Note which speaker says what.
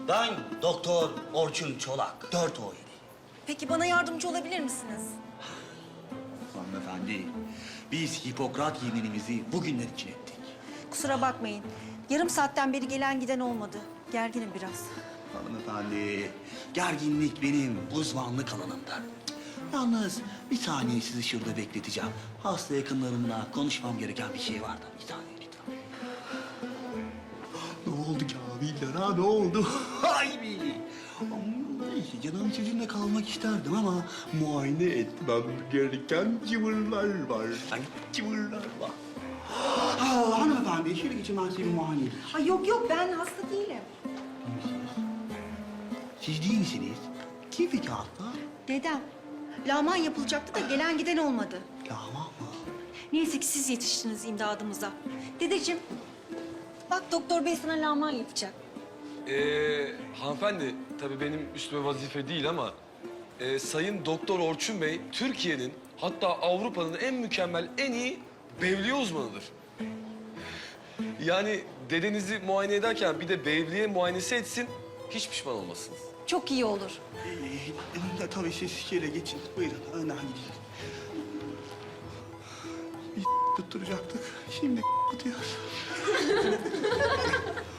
Speaker 1: Ben Doktor Orçun Çolak, 417.
Speaker 2: Peki bana yardımcı olabilir misiniz?
Speaker 1: Hanımefendi, biz Hipokrat yeminimizi bugünler için ettik.
Speaker 2: Kusura bakmayın. Yarım saatten beri gelen giden olmadı. Gerginim biraz.
Speaker 1: Hanımefendi, gerginlik benim uzmanlık alanımdır. Yalnız bir saniye sizi şurada bekleteceğim. Hasta yakınlarımla konuşmam gereken bir şey var da. Bir saniye lütfen. Ne oldu Kamiller ha, ne oldu? Ay be! Neyse, canım sizinle kalmak isterdim ama muayene etmem gereken cıvırlar var. Ay, cıvırlar var. Hanımefendi, şöyle geçin, ben size bir muayene edeyim.
Speaker 2: Ay yok ben hasta değilim.
Speaker 1: Siz değil misiniz? Kim peki hasta?
Speaker 2: Dedem. Laman yapılacaktı da gelen giden olmadı.
Speaker 1: Yaman mı?
Speaker 2: Neyse ki siz yetiştiniz imdadımıza. Dedeciğim, bak doktor bey sana laman yapacak.
Speaker 3: Hanımefendi, tabii benim üstüme vazife değil ama... Sayın Doktor Orçun Bey, Türkiye'nin hatta Avrupa'nın en mükemmel, en iyi bevliye uzmanıdır. Yani dedenizi muayene ederken bir de bevliye muayenesi etsin, hiç pişman olmasınız.
Speaker 2: Çok iyi olur.
Speaker 1: Tabii siz şöyle geçin. Buyurun, önden gidin. Biz tutturacaktık. Şimdi tutuyoruz.